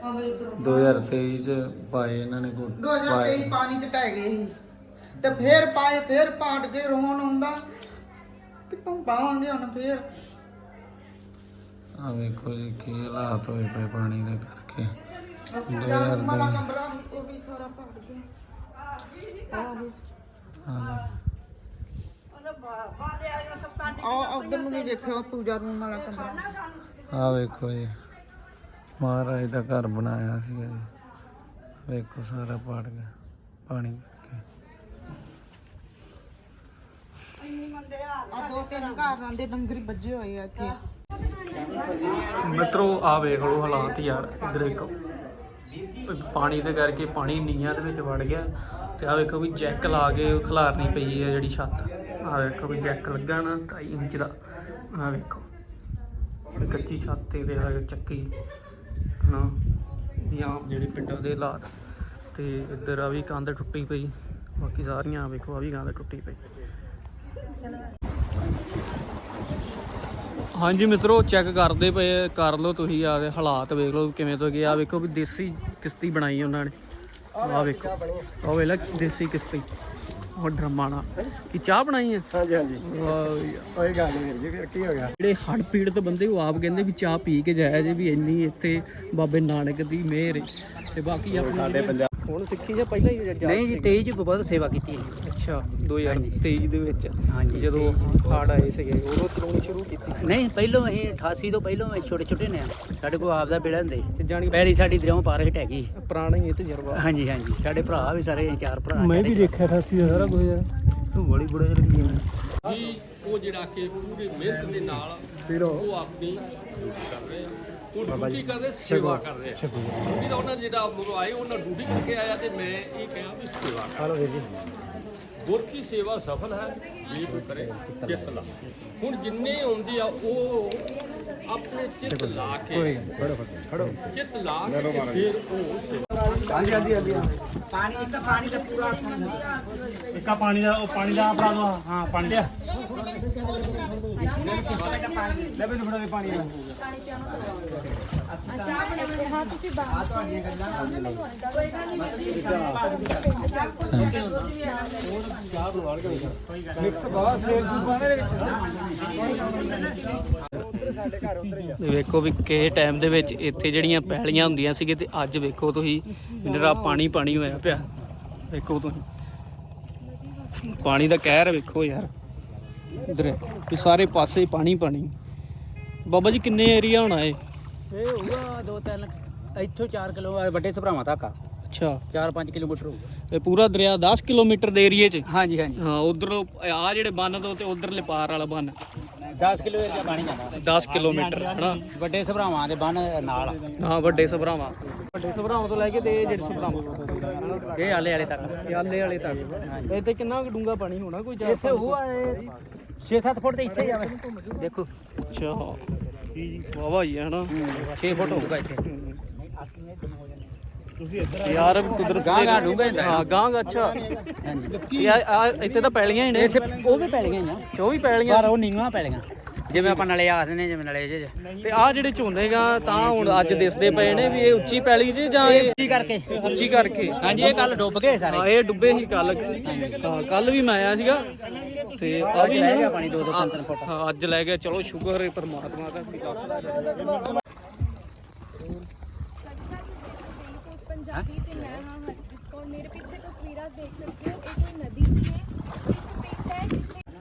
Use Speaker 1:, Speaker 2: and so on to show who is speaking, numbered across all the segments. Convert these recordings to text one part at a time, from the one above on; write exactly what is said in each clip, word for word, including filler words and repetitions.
Speaker 1: दो हज़ार तेईस पाए इन्होंने को
Speaker 2: दो हज़ार तेईस पानी च ढह गए ਸੀ ਤੇ ਫੇਰ ਪਾਏ ਫੇਰ ਪਾਟ ਕੇ ਰੋਣ ਆਉਂਦਾ ਕਿਤੋਂ ਪਾਵਾਂਗੇ ਹੁਣ ਫੇਰ
Speaker 1: ਆ ਵੇਖੋ ਜੀ ਕੀ ਹਾਲਾਤ ਹੋਏ ਪਏ ਪਾਣੀ ਦੇ ਕਰਕੇ
Speaker 2: ਯਾਰ ਮਾਲਾ ਕਮਰਾ ਉਹ ਵੀ ਸਾਰਾ ਪਾਟ ਗਿਆ ਆ ਵੀ ਆ ਉਧਰ ਨੂੰ ਵੀ ਦੇਖਿਓ ਪੂਜਾ ਰੂਮ ਵਾਲਾ ਕਮਰਾ
Speaker 1: ਆ ਵੇਖੋ ਜੀ ਮਹਾਰਾਜ ਦਾ ਘਰ ਬਣਾਇਆ ਸੀ ਜੀ ਵੇਖੋ ਸਾਰਾ ਪਾੜ ਗਿਆ ਪਾਣੀ
Speaker 2: ਆ ਦੋ ਤਿੰਨ ਘਰ ਆਂਦੇ ਡੰਗਰੀ ਵੱਜੇ ਹੋਏ ਆ ਇੱਥੇ
Speaker 3: ਮਿੱਤਰੋ ਆ ਵੇਖ ਲਓ ਹਾਲਾਤ ਯਾਰ ਇਧਰ ਵੇਖੋ ਪਾਣੀ ਦੇ ਕਰਕੇ ਪਾਣੀ ਨੀਹਾਂ ਦੇ ਵਿੱਚ ਵੜ ਗਿਆ ਤੇ ਆ ਵੇਖੋ ਵੀ ਜੈਕ ਲਾ ਕੇ ਖਿਲਾਰਨੀ ਪਈ ਹੈ ਜਿਹੜੀ ਛੱਤ ਆ ਵੇਖੋ ਵੀ ਜੈਕ ਲੱਗਾ ਨਾ ਢਾਈ ਇੰਚ ਦਾ ਆ ਵੇਖੋ ਕੱਚੀ ਛੱਤ ਤੇ ਦੇ ਚੱਕੀ ਨਾ ਜਾਂ ਜਿਹੜੇ ਪਿੰਡਾਂ ਦੇ ਹਾਲਾਤ ਤੇ ਇੱਧਰ ਆ ਵੀ ਕੰਧ ਟੁੱਟੀ ਪਈ ਬਾਕੀ ਸਾਰੀਆਂ ਵੇਖੋ ਆ ਵੀ ਕੰਧ ਟੁੱਟੀ ਪਈ। ਹਾਂਜੀ ਮਿੱਤਰੋ ਚੈੱਕ ਕਰਦੇ ਪਏ ਕਰ ਲਓ ਤੁਸੀਂ ਆ ਹਾਲਾਤ ਵੇਖ ਲਓ ਕਿਵੇਂ ਤੋਂ ਗਿਆ ਵੇਖੋ ਵੀ ਦੇਸੀ ਕਿਸ਼ਤੀ ਬਣਾਈ ਉਹਨਾਂ ਨੇ ਆ ਵੇਖੋ ਉਹ ਵੇਲਾ ਦੇਸੀ ਕਿਸ਼ਤੀ ਉਹ ਡਰਮਾਂ ਨਾਲ ਕੀ ਚਾਹ ਬਣਾਈ ਹੈ।
Speaker 4: ਹਾਂਜੀ ਹਾਂਜੀ
Speaker 3: ਵਾਹ
Speaker 4: ਉਹੀ ਗੱਲ ਵੀਰ ਜੀ ਕੀ ਹੋ ਗਿਆ
Speaker 3: ਜਿਹੜੇ ਹੜ੍ਹ ਪੀੜਤ ਬੰਦੇ ਉਹ ਆਪ ਕਹਿੰਦੇ ਵੀ ਚਾਹ ਪੀ ਕੇ ਜਾਇਆ ਜੇ ਵੀ ਇੰਨੀ ਇੱਥੇ ਬਾਬੇ ਨਾਨਕ ਦੀ ਮਿਹਰ ਤੇ ਬਾਕੀ ਆਪਣੇ ਪੰਜਾਬ ਹੁਣ ਸਿੱਖੀ ਜਾਂ ਪਹਿਲਾਂ ਹੀ ਜਾ
Speaker 5: ਨਹੀਂ ਜੀ ਤੇਈ ਚ ਬਹੁਤ ਸੇਵਾ ਕੀਤੀ ਹੈ।
Speaker 3: ਅੱਛਾ ਦੋ ਹਜ਼ਾਰ ਤੇਈ ਦੇ ਵਿੱਚ
Speaker 5: ਹਾਂਜੀ
Speaker 3: ਜਦੋਂ ਹੜ੍ਹ ਆਏ ਸੀਗੇ ਉਦੋਂ ਚਲਾਉਣੀ ਸ਼ੁਰੂ ਕੀਤੀ
Speaker 5: ਨਹੀਂ ਪਹਿਲੋਂ ਅਸੀਂ ਅਠਾਸੀ ਤੋਂ ਪਹਿਲੋਂ ਅਸੀਂ ਛੋਟੇ ਛੋਟੇ ਨੇ ਸਾਡੇ ਕੋਲ ਆਪਦਾ ਬੇੜਾ ਹੁੰਦੇ
Speaker 3: ਤੇ ਜਾਣੀ
Speaker 5: ਪਹਿਲੀ ਸਾਡੀ ਦਰਿਆਓਂ ਪਾਰ ਹਟ ਹੈਗੀ
Speaker 3: ਪੁਰਾਣਾ ਹੀ ਇਹ ਤਜਰਬਾ।
Speaker 5: ਹਾਂਜੀ ਹਾਂਜੀ ਸਾਡੇ ਭਰਾ ਵੀ ਸਾਰੇ ਅਸੀਂ ਚਾਰ ਭਰਾ
Speaker 3: ਮੈਂ ਵੀ ਦੇਖਿਆ ਅਠਾਸੀ ਦਾ ਸਾਰਾ ਕੁਝ ਯਾਰ ਤੂੰ ਬੜੀ ਬੜੇ ਲੱਗੀ ਜੀ ਉਹ ਜਿਹੜਾ ਕਿ ਪੂਰੀ ਮਿਹਨਤ ਦੇ ਨਾਲ ਉਹ ਆਪਣੀ ਕਰ ਰਹੇ ਉਹ ਡਿਊਟੀ ਕਰਦੇ ਸੇਵਾ ਕਰ ਰਹੇ ਡਿਊਟੀ ਦਾ ਉਹਨਾਂ ਜਿਹੜਾ ਮੁਰੋ ਆਏ ਉਹਨਾਂ ਡਿਊਟੀ ਕਰਕੇ ਆਇਆ ਤੇ ਮੈਂ ਇਹ ਕਿਹਾ ਵੀ ਸੇਵਾ ਕਰ ਜੀ ਗੁਰ ਕੀ ਸੇਵਾ ਸਫਲ ਹੈ ਜੇ ਕੋਈ ਕਰੇ ਚਿੱਤ ਲਾ ਹੁਣ ਜਿੰਨੇ ਆਉਂਦੇ ਆ ਉਹ ਆਪਣੇ ਚਿੱਤ ਲਾ ਕੇ ਖੜੋ ਖੜੋ ਚਿੱਤ ਲਾ ਕੇ ਫਿਰ ਉਹ
Speaker 4: ਹਾਂਜੀ ਹਾਂਜੀ ਹਾਂਜੀ
Speaker 5: ਪਾਣੀ ਇੱਕ ਪਾਣੀ ਦਾ ਪੂਰਾ
Speaker 4: ਇੱਕਾ ਪਾਣੀ ਦਾ ਉਹ ਪਾਣੀ ਦਾ ਆਪਣਾ ਦੋ ਹਾਂ ਪਾਣੀ ਲਿਆ ਲੈ ਬਈ ਫੜਾ ਦੇ ਪਾਣੀ ਦਾ ਮਿਕਸ ਬਹੁਤ ਸੇਲ ਸੂਪਾਂ ਦੇ ਵਿੱਚ
Speaker 3: ਵੇਖੋ ਵੀ ਕਿਸੇ ਟਾਈਮ ਦੇ ਵਿੱਚ ਇੱਥੇ ਜਿਹੜੀਆਂ ਪੈਲੀਆਂ ਹੁੰਦੀਆਂ ਸੀਗੇ ਤੇ ਅੱਜ ਵੇਖੋ ਤੁਸੀਂ ਨਿਰਾ ਪਾਣੀ ਪਾਣੀ ਹੋਇਆ ਪਿਆ ਵੇਖੋ ਤੁਸੀਂ ਪਾਣੀ ਦਾ ਕਹਿਰ ਵੇਖੋ ਯਾਰ ਇਧਰ ਵੀ ਸਾਰੇ ਪਾਸੇ ਪਾਣੀ ਪਾਣੀ। ਬਾਬਾ ਜੀ ਕਿੰਨੇ ਏਰੀਆ ਹੋਣਾ ਇਹ
Speaker 5: ਇਹ ਹੋਊਗਾ ਦੋ ਤਿੰਨ ਇੱਥੋਂ ਚਾਰ ਕਿਲੋ ਵੱਡੇ ਸਭਰਾਵਾਂ ਤੱਕ
Speaker 3: ਅੱਛਾ
Speaker 5: ਚਾਰ ਪੰਜ ਕਿਲੋਮੀਟਰ ਹੋਊਗਾ
Speaker 3: ਇਹ ਪੂਰਾ ਦਰਿਆ ਦਸ ਕਿਲੋਮੀਟਰ ਦੇ ਏਰੀਏ 'ਚ
Speaker 5: ਹਾਂਜੀ ਹਾਂਜੀ
Speaker 3: ਹਾਂ ਉਧਰ ਆ ਜਿਹੜੇ ਬੰਨ ਤੋਂ ਤੇ ਉਧਰਲੇ ਪਾਰ ਵਾਲਾ ਬੰਨ
Speaker 5: ਦਸ ਕਿਲੋ ਏਰੀਆ ਪਾਣੀ ਜਾਂਦਾ
Speaker 3: ਦਸ ਕਿਲੋਮੀਟਰ ਹਨਾ
Speaker 5: ਵੱਡੇ ਸਭਰਾਵਾਂ ਦੇ ਬੰਨ ਨਾਲ
Speaker 3: ਹਾਂ ਵੱਡੇ ਸਭਰਾਵਾਂ ਵੱਡੇ ਸਭਰਾਵਾਂ ਤੋਂ ਲੈ ਕੇ ਤੇ ਇਹ ਜਿਹੜੇ ਸਭਰਾਵਾਂ
Speaker 5: ਇਹ ਆਲੇ ਵਾਲੇ ਤੱਕ
Speaker 3: ਇਹ ਆਲੇ ਵਾਲੇ ਤੱਕ ਇੱਥੇ ਕਿੰਨਾ ਕੁ ਡੂੰਘਾ ਪਾਣੀ ਹੋਣਾ ਕੋਈ ਚਾਰ
Speaker 5: ਇੱਥੇ ਉਹ ਛੇ ਸੱਤ ਫੁੱਟ ਤੇ ਇੱਥੇ ਜਾਵੇ ਦੇਖੋ
Speaker 3: ਅੱਛਾ ਵਾਵਾ ਹੀ ਹੈ ਹਨਾ
Speaker 5: ਛੇ ਫੁੱਟ ਹੋਊਗਾ ਇੱਥੇ
Speaker 3: ਤੁਸੀਂ ਇੱਧਰ ਯਾਰ ਕੁਦਰਤ
Speaker 5: ਗਾਂ ਗਾਂ ਡੂੰਘਾ ਹੁੰਦਾ
Speaker 3: ਹਾਂ ਗਾਂ ਗਾ ਅੱਛਾ
Speaker 5: ਹਾਂਜੀ
Speaker 3: ਆ ਇੱਥੇ ਤਾਂ ਪੈਲੀਆਂ ਹੀ ਨੇ
Speaker 5: ਇੱਥੇ ਉਹ ਵੀ ਪੈਲੀਆਂ ਹੀ ਆ
Speaker 3: ਉਹ ਵੀ ਪੈਲੀਆਂ
Speaker 5: ਪਰ ਉਹ ਨੀਵਾਂ ਪੈਲੀਆਂ ਜਿਵੇਂ ਆਪਾਂ ਨਲੇ ਆਖਦੇ ਨੇ ਜਿਵੇਂ ਨਲੇ ਜੇ
Speaker 3: ਤੇ ਆ ਜਿਹੜੇ ਝੋਨੇਗਾ ਤਾਂ ਹੁਣ ਅੱਜ ਦਿਸਦੇ ਪਏ ਨੇ ਵੀ ਇਹ ਉੱਚੀ ਪੈਲੀ ਜੇ ਜਾਂ ਇਹ
Speaker 5: ਉੱਚੀ ਕਰਕੇ
Speaker 3: ਉੱਚੀ ਕਰਕੇ
Speaker 5: ਹਾਂਜੀ ਇਹ ਕੱਲ ਡੁੱਬ ਗਏ ਸਾਰੇ
Speaker 3: ਹਾਂ ਇਹ ਡੁੱਬੇ ਸੀ ਕੱਲ ਹਾਂ ਕੱਲ ਵੀ ਮੈਂ ਆਇਆ ਸੀਗਾ ਤੇ ਆ ਵੀ
Speaker 5: ਲੈ ਗਿਆ ਪਾਣੀ ਦੋ ਦੋ ਤਿੰਨ ਤਿੰਨ ਫੁੱਟ
Speaker 3: ਹਾਂ ਅੱਜ ਲੈ ਗਿਆ ਚਲੋ ਸ਼ੁਕਰ ਹੈ ਪਰਮਾਤਮਾ ਦਾ
Speaker 6: पंजाबी से मैं हाँ हरजीत कौर मेरे पीछे तस्वीरें देख सकते हो एक नदी है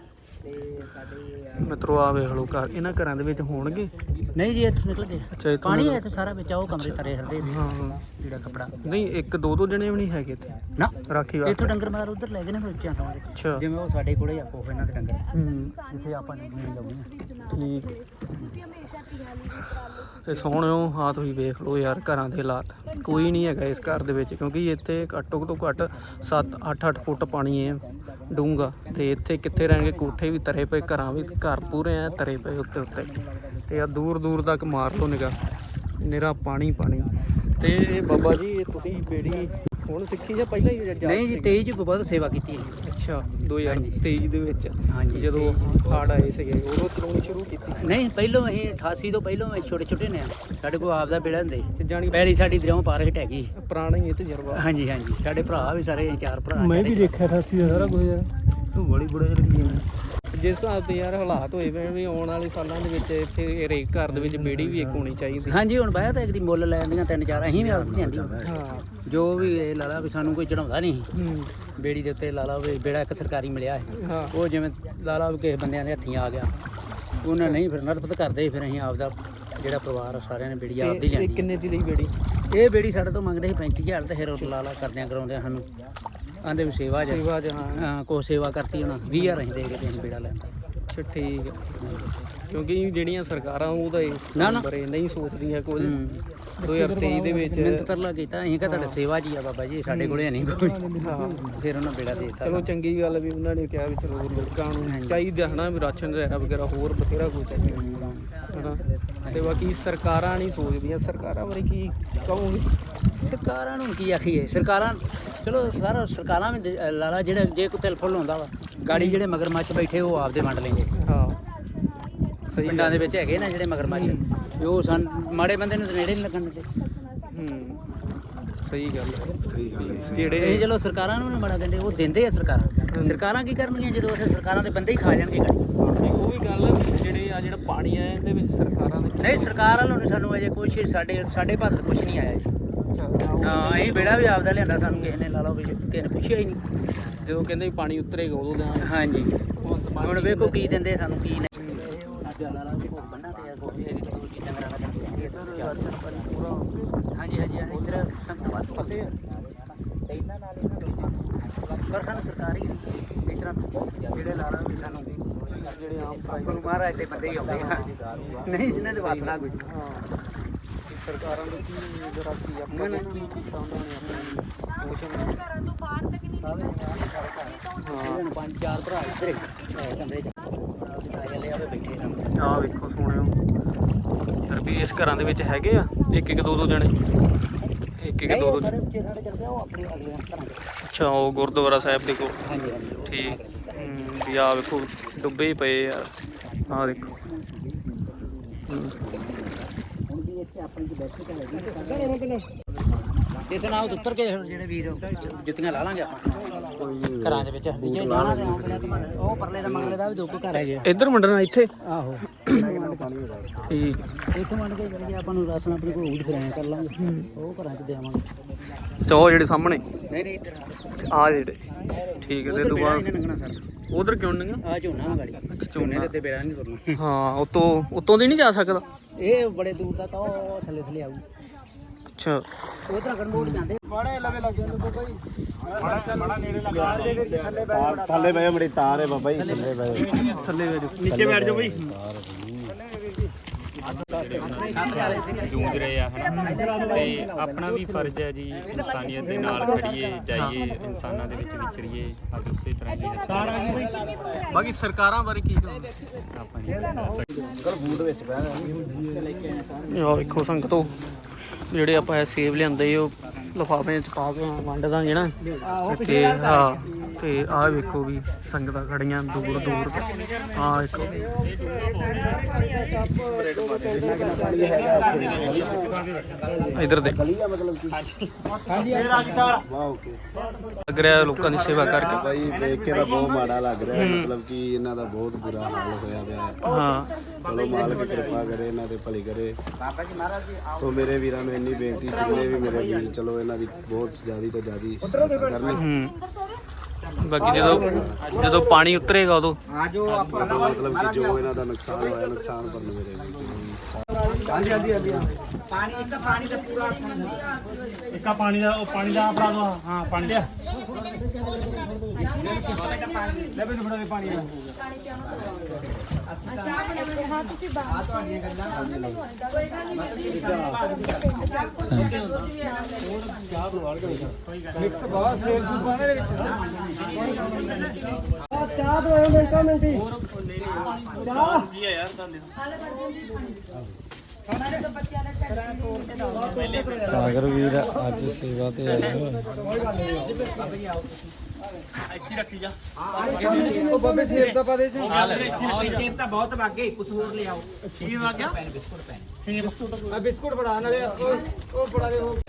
Speaker 3: ਮਿੱਤਰੋ ਆ ਵੇਖ ਲਓ ਘਰ ਇਹਨਾਂ ਘਰਾਂ ਦੇ ਵਿੱਚ ਹੋਣਗੇ
Speaker 5: ਨਹੀਂ ਜੀ ਇੱਥੋਂ ਨਿਕਲ ਗਏ
Speaker 3: ਅੱਛਾ ਇੱਥੋਂ
Speaker 5: ਪਾਣੀ ਹੈ ਇੱਥੇ ਸਾਰਾ ਵਿੱਚ ਆ ਉਹ ਕਮਰੇ ਤਰੇ ਹਰਦੇ
Speaker 3: ਹਾਂ
Speaker 5: ਜਿਹੜਾ ਕੱਪੜਾ
Speaker 3: ਨਹੀਂ ਇੱਕ ਦੋ ਦੋ ਜਣੇ ਵੀ ਨਹੀਂ ਹੈਗੇ ਇੱਥੇ
Speaker 5: ਨਾ
Speaker 3: ਰਾਖੀ
Speaker 5: ਇੱਥੋਂ
Speaker 3: ਵਾਸਤੇ
Speaker 5: ਡੰਗਰ ਮਾਰ ਉਧਰ ਲੈ ਗਏ ਨੇ ਬੱਚਿਆਂ ਤੋਂ
Speaker 3: ਅੱਛਾ
Speaker 5: ਜਿਵੇਂ ਉਹ ਸਾਡੇ ਕੋਲੇ ਆ ਕੋਫ ਇਹਨਾਂ ਦੇ ਡੰਗਰ
Speaker 3: ਹੂੰ
Speaker 5: ਇੱਥੇ ਆਪਾਂ ਨੇ ਨਹੀਂ ਲਾਉਣੀ
Speaker 3: ਠੀਕ
Speaker 6: ਤੁਸੀਂ ਹमेशा तिहाली की तरह
Speaker 3: ਤੇ ਸੋਹਣਿਓ ਹਾਂ ਤੁਸੀਂ ਵੇਖ ਲਓ ਯਾਰ ਘਰਾਂ ਦੇ ਹਾਲਾਤ ਕੋਈ ਨਹੀਂ ਹੈਗਾ ਇਸ ਘਰ ਦੇ ਵਿੱਚ ਕਿਉਂਕਿ ਇੱਥੇ ਘੱਟੋ ਤੋਂ ਘੱਟ ਸੱਤ ਅੱਠ ਅੱਠ ਫੁੱਟ ਪਾਣੀ ਹੈ ਡੂੰਘਾ ਤੇ ਇੱਥੇ ਕਿੱਥੇ ਰਹਿਣਗੇ ਕੋਠੇ ਵੀ ਤਰੇ ਪਏ ਘਰਾਂ ਵੀ ਘਰ ਪੂਰੇ ਐ ਤਰੇ ਪਏ ਉੱਤੇ ਉੱਤੇ ਤੇ ਆ ਦੂਰ ਦੂਰ ਤੱਕ ਮਾਰ ਲਓ ਨਿਗਾਹ ਨਿਰਾ ਪਾਣੀ ਪਾਣੀ ਤੇ ਬਾਬਾ ਜੀ ਇਹ ਤੁਸੀਂ ਬੇੜੀ
Speaker 7: ਹੁਣ ਸਿੱਖੀ ਜਾਂ ਪਹਿਲਾਂ ਹੀ ਜਾ
Speaker 5: ਨਹੀਂ ਜੀ ਤੇਈ ਚ ਬਹੁਤ ਸੇਵਾ ਕੀਤੀ ਹੈ।
Speaker 7: ਅੱਛਾ ਦੋ ਹਜ਼ਾਰ ਤੇਈ ਦੇ ਵਿੱਚ
Speaker 5: ਹਾਂਜੀ
Speaker 7: ਜਦੋਂ ਹੜ੍ਹ ਆਏ ਸੀਗੇ ਉਦੋਂ ਚਲਾਉਣੀ ਸ਼ੁਰੂ ਕੀਤੀ।
Speaker 5: ਨਹੀਂ ਪਹਿਲੋਂ ਅਸੀਂ ਅਠਾਸੀ ਤੋਂ ਪਹਿਲੋਂ ਅਸੀਂ ਛੋਟੇ ਛੋਟੇ ਨੇ ਸਾਡੇ ਕੋਲ ਆਪਦਾ ਬੇੜਾ ਹੁੰਦੇ
Speaker 7: ਤੇ ਜਾਣੀ
Speaker 5: ਪਹਿਲੀ ਸਾਡੀ ਦਰਿਆਓਂ ਪਾਰ ਹਟ ਹੈਗੀ।
Speaker 7: ਪੁਰਾਣਾ ਹੀ ਇਹ ਤਜਰਬਾ।
Speaker 5: ਹਾਂਜੀ ਹਾਂਜੀ ਸਾਡੇ ਭਰਾ ਵੀ ਸਾਰੇ ਅਸੀਂ ਚਾਰ ਭਰਾ
Speaker 4: ਮੈਂ
Speaker 5: ਸਾਡੇ
Speaker 4: ਵੀ ਦੇਖਿਆ ਅਠਾਸੀ ਦਾ ਸਾਰਾ ਕੁਝ ਯਾਰ ਤੂੰ ਬੜੀ ਬੁੜੇ ਲੱਗੀ ਜਾਂਦਾ।
Speaker 7: ਜਿਸ ਹਿਸਾਬ ਦੇ ਯਾਰ ਹਾਲਾਤ ਹੋਏ ਪਏ ਵੀ ਆਉਣ ਵਾਲੇ ਸਾਲਾਂ ਦੇ ਵਿੱਚ ਇੱਥੇ ਹਰੇਕ ਘਰ ਦੇ ਵਿੱਚ ਬੇੜੀ ਵੀ ਇੱਕ ਹੋਣੀ ਚਾਹੀਦੀ।
Speaker 5: ਹਾਂਜੀ ਹੁਣ ਬਾਇਆ ਤਾਂ ਇੱਕ ਦੀ ਮੁੱਲ ਲੈ ਆਉਂਦੀਆਂ ਤਿੰਨ ਚਾਰ ਅਸੀਂ ਵੀ ਆਪ ਜਾਂਦੀ
Speaker 7: ਹਾਂ
Speaker 5: ਜੋ ਵੀ ਇਹ ਲਾ ਲਾ ਵੀ ਸਾਨੂੰ ਕੋਈ ਚੜਾਉਂਦਾ ਨਹੀਂ
Speaker 7: ਹੂੰ
Speaker 5: ਬੇੜੀ ਦੇ ਉੱਤੇ ਲਾ ਲਾ ਵੀ ਬੇੜਾ ਇੱਕ ਸਰਕਾਰੀ ਮਿਲਿਆ ਹੈ
Speaker 7: ਹਾਂ
Speaker 5: ਉਹ ਜਿਵੇਂ ਲਾ ਲਾ ਵੀ ਕਿਸੇ ਬੰਦਿਆਂ ਦੇ ਹੱਥੀਂ ਆ ਗਿਆ ਉਹਨਾਂ ਨਹੀਂ ਫਿਰ ਨਰਪਤ ਕਰਦੇ ਫਿਰ ਅਸੀਂ ਆਪਦਾ ਜਿਹੜਾ ਪਰਿਵਾਰ ਆ ਸਾਰਿਆਂ ਨੇ ਬੇੜੀ ਆਪਦੀ
Speaker 7: ਇਹ
Speaker 5: ਲਿਆਂਦੀ।
Speaker 7: ਕਿੰਨੇ ਦੀ ਲਈ ਬੇੜੀ?
Speaker 5: ਇਹ ਬੇੜੀ ਸਾਡੇ ਤੋਂ ਮੰਗਦੇ ਸੀ ਪੈਂਤੀ ਹਜ਼ਾਰ ਤੇ ਫਿਰ ਉਹ ਲਾ ਲਾ ਕਰਦਿਆਂ ਕਰਾਉਂਦਿਆਂ ਸਾਨੂੰ ਆਂਦੇ ਵੀ ਸੇਵਾ ਜਾ
Speaker 7: ਸੇਵਾ 'ਚ ਹਾਂ।
Speaker 5: ਹਾਂ ਕੋ ਸੇਵਾ ਕਰਤੀ ਉਹਨਾਂ ਵੀਹ ਹਜ਼ਾਰ ਅਸੀਂ ਦੇ ਕੇ ਤੇ ਅਸੀਂ ਬੇੜਾ ਲੈਂਦਾ।
Speaker 7: ਅੱਛਾ ਠੀਕ ਹੈ ਕਿਉਂਕਿ ਜਿਹੜੀਆਂ ਸਰਕਾਰਾਂ ਉਹਦਾ ਇਸ
Speaker 5: ਨਾ, ਨਾ।
Speaker 7: ਬਾਰੇ ਨਹੀਂ ਸੋਚਦੀਆਂ ਕੁਝ।
Speaker 5: ਹੂੰ।
Speaker 7: ਦੋ ਹਜ਼ਾਰ ਤੇਈ ਦੇ ਵਿੱਚ
Speaker 5: ਮਿਹਨਤ ਤਰਲਾ ਕੀਤਾ ਅਸੀਂ ਕਿਹਾ ਤੁਹਾਡੇ ਸੇਵਾ ਜੀ ਆ ਬਾਬਾ ਜੀ ਸਾਡੇ ਕੋਲੇ ਨਹੀਂ ਕੋਈ
Speaker 7: ਹਾਂ
Speaker 5: ਫਿਰ ਉਹਨਾਂ ਬੇੜਾ ਦੇ ਦਿੱਤਾ।
Speaker 7: ਚਲੋ ਚੰਗੀ ਗੱਲ ਵੀ ਉਹਨਾਂ ਨੇ ਕਿਹਾ ਵੀ ਚਲੋ ਲੋਕਾਂ ਨੂੰ ਚਾਹੀਦਾ ਹਨਾ ਵੀ ਰਾਸ਼ਨ ਵਗੈਰਾ ਵਗੈਰਾ ਹੋਰ ਬਥੇਰਾ ਕੁਝ ਚਾਹੀਦਾ ਹਨਾ। ਤੇ ਬਾਕੀ ਸਰਕਾਰਾਂ ਨਹੀਂ ਸੋਚਦੀਆਂ। ਸਰਕਾਰਾਂ ਬਾਰੇ ਕੀ ਕਹੋਗੇ?
Speaker 5: ਸਰਕਾਰਾਂ ਨੂੰ ਕੀ ਆਖੀਏ ਸਰਕਾਰਾਂ ਚਲੋ ਸਾਰਾ ਸਰਕਾਰਾਂ ਵੀ ਦੇ- ਲਾਲਾ ਜਿਹੜੇ ਜੇ ਕੋਈ ਤਿਲ ਫੁੱਲ ਹੁੰਦਾ ਵਾ ਗਾੜੀ ਜਿਹੜੇ ਮਗਰਮੱਛ ਬੈਠੇ ਉਹ ਆਪਦੇ ਵੰਡ ਲੈਂਦੇ।
Speaker 7: ਹਾਂ ਸਹੀ
Speaker 5: ਪਿੰਡਾਂ ਦੇ ਵਿੱਚ ਹੈਗੇ ਨਾ ਜਿਹੜੇ ਮਗਰਮੱਛ ਵੀ ਉਹ ਸਨ ਮਾੜੇ ਬੰਦੇ ਨੂੰ ਤਾਂ ਨੇੜੇ ਨਹੀਂ ਲੱਗਣ ਦਿੰਦੇ।
Speaker 7: ਹੂੰ ਸਹੀ ਗੱਲ ਹੈ।
Speaker 8: ਸਹੀ ਗੱਲ ਹੈ।
Speaker 5: ਇਹ
Speaker 7: ਜਿਹੜੇ
Speaker 5: ਚਲੋ ਸਰਕਾਰਾਂ ਨੂੰ ਨਹੀਂ ਬੜਾ ਦਿੰਦੇ ਉਹ ਦਿੰਦੇ ਆ ਸਰਕਾਰਾਂ। ਸਰਕਾਰਾਂ ਕੀ ਕਰਨਗੀਆਂ ਜਦੋਂ ਉੱਥੇ ਸਰਕਾਰਾਂ ਦੇ ਬੰਦੇ ਹੀ ਖਾ ਜਾਣਗੇ ਗਾੜੀ।
Speaker 7: ਉਹ ਵੀ ਗੱਲ ਹੈ ਵੀ ਜਿਹੜੇ ਆ ਜਿਹੜਾ ਪਾਣੀ ਆ ਇਹਦੇ ਵਿੱਚ ਸਰਕਾਰਾਂ ਦੇ
Speaker 5: ਨਹੀਂ ਸਰਕਾਰ ਵੱਲੋਂ ਨਹੀਂ ਸਾਨੂੰ ਅਜੇ ਕੁਛ ਸਾਡੇ ਸਾਡੇ ਭਾਰਤ ਕੁਛ ਨਹੀਂ ਆਇਆ ਜੀ।
Speaker 7: ਅੱਛਾ
Speaker 5: ਹਾਂ ਅਸੀਂ ਬੇੜਾ ਵੀ ਆਪਦਾ ਲਿਆਂਦਾ ਸਾਨੂੰ ਕਿਸੇ ਨੇ ਲਾ ਲਓ ਵੀ ਕਿਸੇ ਨੇ ਪੁੱਛਿਆ ਹੀ ਨਹੀਂ।
Speaker 7: ਜਦੋਂ ਕਹਿੰਦੇ ਵੀ ਪਾਣੀ ਉਤਰੇਗਾ ਉਦੋਂ ਦਾ
Speaker 5: ਹਾਂਜੀ
Speaker 7: ਹੁਣ
Speaker 5: ਹੁਣ ਵੇਖੋ ਕੀ ਦਿੰਦੇ ਸਾਨੂੰ ਕੀ ਨਹੀਂ। ਹਾਂਜੀ ਹਾਂਜੀ ਇੱਧਰ ਸੰਗਤ ਵੱਧ ਪੱਤੇ ਤੇ ਇਹਨਾਂ ਨਾਲ ਇਹਨਾਂ ਨੂੰ ਪਰ ਸਾਨੂੰ ਸਰਕਾਰੀ ਇਸ ਤਰ੍ਹਾਂ ਜਿਹੜੇ ਲਾ ਰਹੇ ਸਾਨੂੰ ਜਿਹੜੇ ਆਮ ਗੁਰੂ ਮਹਾਰਾਜ ਦੇ ਬੰਦੇ ਹੀ ਆਉਂਦੇ ਆ ਨਹੀਂ ਜਿਨ੍ਹਾਂ ਦੇ ਵਾਸਨਾ ਕੋਈ।
Speaker 7: ਸਰਕਾਰਾਂ ਦੇ ਕੀ ਜਰਾ ਕੀ ਆਪਾਂ ਨੇ ਕੀ ਕੀਤਾ ਉਹਨਾਂ ਨੇ ਆਪਣੀ
Speaker 6: ਘਰਾਂ ਤੋਂ ਬਾਹਰ ਤੱਕ ਨਹੀਂ
Speaker 5: ਹਾਂ ਪੰਜ ਚਾਰ ਭਰਾ ਇੱਧਰ ਕਮਰੇ ਚ ਆਏ ਆਵੇ ਬੈਠੇ ਹਨ।
Speaker 7: ਆਹ ਵੇਖੋ ਸੋਹਣਿਓ ਫਿਰ ਵੀ ਇਸ ਘਰਾਂ ਦੇ ਵਿੱਚ ਹੈਗੇ ਆ ਇੱਕ ਇੱਕ ਦੋ ਦੋ ਜਣੇ ਇੱਕ ਇੱਕ ਦੋ ਦੋ
Speaker 5: ਸਾਰੇ ਉੱਚੇ ਸਾਡੇ ਚੱਲਦੇ ਆ ਉਹ ਆਪਣੇ ਅਗਲੇ ਘਰਾਂ ਦੇ।
Speaker 7: ਅੱਛਾ ਉਹ ਗੁਰਦੁਆਰਾ ਸਾਹਿਬ ਦੇ ਕੋਲ
Speaker 5: ਹਾਂਜੀ ਹਾਂਜੀ
Speaker 7: ਠੀਕ ਹੂੰ, ਵੀ ਆਹ ਵੇਖੋ ਡੁੱਬੇ ਹੀ ਪਏ ਯਾਰ ਆਹ ਦੇਖੋ ਹੂੰ।
Speaker 5: ਹੁਣ ਵੀ ਇੱਥੇ ਆਪਣੀ ਚ ਬੈਠੇ ਤਾਂ ਲੱਗੀ ਇੱਥੇ ਨਾ ਉੱਤਰ ਕੇ ਜਿਹੜੇ ਵੀਰ ਜੁੱਤੀਆਂ ਲਾ ਲਾਂਗੇ ਆਪਾਂ ਘਰਾਂ ਦੇ ਵਿੱਚ ਜੇ ਜਾਣਾ ਤੇ ਉਹ ਪਰਲੇ ਦਾ ਮੰਗਲੇ ਦਾ ਵੀ ਦੋ ਕੁ ਘਰ ਹੈਗੇ ਆ।
Speaker 7: ਇੱਧਰ ਮੰਡਣਾ ਇੱਥੇ
Speaker 5: ਆਹੋ
Speaker 7: ਠੀਕ
Speaker 5: ਇੱਥੇ ਮੰਡ ਕੇ ਜਿਹੜੇ ਆਪਾਂ ਨੂੰ ਰਾਸ਼ਨ ਆਪਣੇ ਕੋਲ ਉਦ ਫਿਰ ਐਂ ਕਰ ਲਾਂਗੇ ਉਹ ਘਰਾਂ ਚ ਦੇਵਾਂਗੇ।
Speaker 7: ਅੱਛਾ ਉਹ ਜਿਹੜੇ ਸਾਹਮਣੇ
Speaker 5: ਨਹੀਂ ਨਹੀਂ ਇੱਧਰ
Speaker 7: ਆਹ ਜਿਹੜੇ ਠੀਕ ਹੈ ਤੇ
Speaker 5: ਉਧਰ
Speaker 7: ਤੋਂ
Speaker 5: ਬੇੜਾ
Speaker 7: ਬਾਅਦ
Speaker 5: ਨਹੀਂ ਲੰਘਣਾ ਸਰ
Speaker 7: ਉਧਰ ਕਿਉਂ ਨਹੀਂ
Speaker 5: ਆ ਝੋਨਾ ਵਾ ਗਾੜੀ ਝੋਨੇ ਦੇ ਉੱਤੇ ਬੇੜਾ ਨਹੀਂ ਤੁਰਨਾ।
Speaker 7: ਹਾਂ ਉਤੋਂ ਉਤੋਂ ਦੀ ਨਹੀਂ ਜਾ ਸਕਦਾ।
Speaker 5: ਇਹ ਬੜੇ ਦੂਰ ਤੱਕ ਉਹ ਥੱਲੇ ਥੱਲੇ ਆਊ
Speaker 7: ਅੱਛਾ
Speaker 5: ਉਧਰ ਗੜਮੋੜ ਜਾਂਦੇ
Speaker 8: ਥੱਲੇ ਬੈ ਮੜੀ ਤਾਰ ਹੈ ਬਾਬਾ ਜੀ ਥੱਲੇ ਬੈ
Speaker 7: ਥੱਲੇ ਵੇ
Speaker 4: ਨੀਚੇ ਬੈਠ ਜਾਓ ਬਈ।
Speaker 9: ਜੂਝ ਰਹੇ ਆ ਹਨਾ ਤੇ ਆਪਣਾ ਵੀ ਫਰਜ਼ ਹੈ ਜੀ ਇਨਸਾਨੀਅਤ ਦੇ ਨਾਲ ਖੜੀਏ ਜਾਈਏ ਇਨਸਾਨਾਂ ਦੇ ਵਿੱਚ ਵਿਚਰੀਏ ਅੱਜ ਉਸੇ ਤਰ੍ਹਾਂ ਹੀ ਅਸੀਂ
Speaker 7: ਬਾਕੀ ਸਰਕਾਰਾਂ ਬਾਰੇ ਕੀ ਕਹੋਗੇ?
Speaker 9: ਆਪਾਂ ਨਹੀਂ ਦੱਸ ਸਕਦੇ।
Speaker 7: ਆਹ ਵੇਖੋ ਸੰਗਤੋ ਜਿਹੜੇ ਆਪਾਂ ਇਹ ਸੇਬ ਲਿਆਂਦੇ ਉਹ ਲਿਫਾਫੇ ਚ ਪਾ ਕੇ ਵੰਡ ਦਾਂਗੇ ਨਾ ਤੇ ਹਾਂ ਤੇ ਆਹ ਵੇਖੋ ਵੀ ਸੰਗਤਾਂ ਖੜੀਆਂ ਦੂਰ ਦੂਰ ਆਹ ਵੇਖੋ ਇਧਰ ਦੇ ਲੱਗ ਰਿਹਾ ਲੋਕਾਂ ਦੀ ਸੇਵਾ ਕਰਕੇ
Speaker 8: ਭਾਈ ਦੇਖ ਕੇ ਤਾਂ ਬਹੁਤ ਮਾੜਾ ਲੱਗ ਰਿਹਾ ਹੈ, ਮਤਲਬ ਕਿ ਇਹਨਾਂ ਦਾ ਬਹੁਤ ਬੁਰਾ ਹਾਲ ਹੋਇਆ ਪਿਆ ਹੈ।
Speaker 7: ਹਾਂ
Speaker 8: ਚਲੋ ਮਾਲਕ ਕਿਰਪਾ ਕਰੇ ਇਹਨਾਂ ਤੇ ਭਲੀ ਕਰੇ। ਸੋ ਮੇਰੇ ਵੀਰਾਂ ਨੂੰ ਇੰਨੀ ਬੇਨਤੀ ਜਿੰਨੇ ਵੀ ਮੇਰੇ ਵੀਰ ਚਲੋ ਇਹਨਾਂ ਦੀ ਬਹੁਤ ਜ਼ਿਆਦੀ ਤੋਂ ਜ਼ਿਆਦੀ ਕਰਨੀ।
Speaker 7: ਹੂੰ ਬਾਕੀ ਜਦੋਂ ਜਦੋਂ ਪਾਣੀ ਉਤਰੇਗਾ ਉਦੋਂ
Speaker 8: ਮਤਲਬ ਕਿ ਜੋ ਇਹਨਾਂ ਦਾ ਨੁਕਸਾਨ ਹੋਇਆ ਨੁਕਸਾਨ ਭਰਨ ਮੇਰੇ ਵੀਰ
Speaker 4: ਇੱਕਾ ਪਾਣੀ ਦਾ ਉਹ ਪਾਣੀ ਦਾ ਫੜਾ ਦੋ। ਹਾਂ ਪਾਣੀ ਲਿਆ ਲੈ ਬਈ ਫੜਾ ਦੇ ਪਾਣੀ ਦਾ।
Speaker 6: ਹਾਂ ਤੁਸੀਂ ਬਾਹਰ ਤੁਹਾਡੀਆਂ ਗੱਲਾਂ ਕੋਈ ਗੱਲ ਨਹੀਂ
Speaker 4: ਮਿਕਸ ਬਹੁਤ ਸੇਬ ਸੂਪਾਂ ਦੇ ਵਿੱਚ ਚਾਹ ਦੋ ਮਿੰਟਾਂ ਮਿੰਟੀ ਚਾਹ ਕੀ ਹੈ ਯਾਰ ਤੁਹਾਨੂੰ
Speaker 1: ਸਾਗਰ ਵੀਰ ਅੱਜ ਸੇਵਾ ਤੇ ਆਏ ਹੋਏ।
Speaker 4: ਇੱਥੇ ਰੱਖੀ ਜਾ
Speaker 5: ਉਹ ਬਾਬੇ ਸੇਬ ਦਾ ਪਾ ਦੇ ਜੀ ਸੇਬ ਤਾਂ ਬਹੁਤ ਵਾਗੇ ਕੁਝ ਹੋਰ ਲਿਆਓ
Speaker 4: ਕੀ ਆ ਗਿਆ
Speaker 5: ਬਿਸਕੁਟ ਪੈਨ
Speaker 4: ਸੇਬ ਬਿਸਕੁਟ
Speaker 5: ਮੈਂ ਬਿਸਕੁਟ ਬਣਾ ਨਾਲੇ ਉਹ ਉਹ ਬਣਾ ਦੇ ਉਹ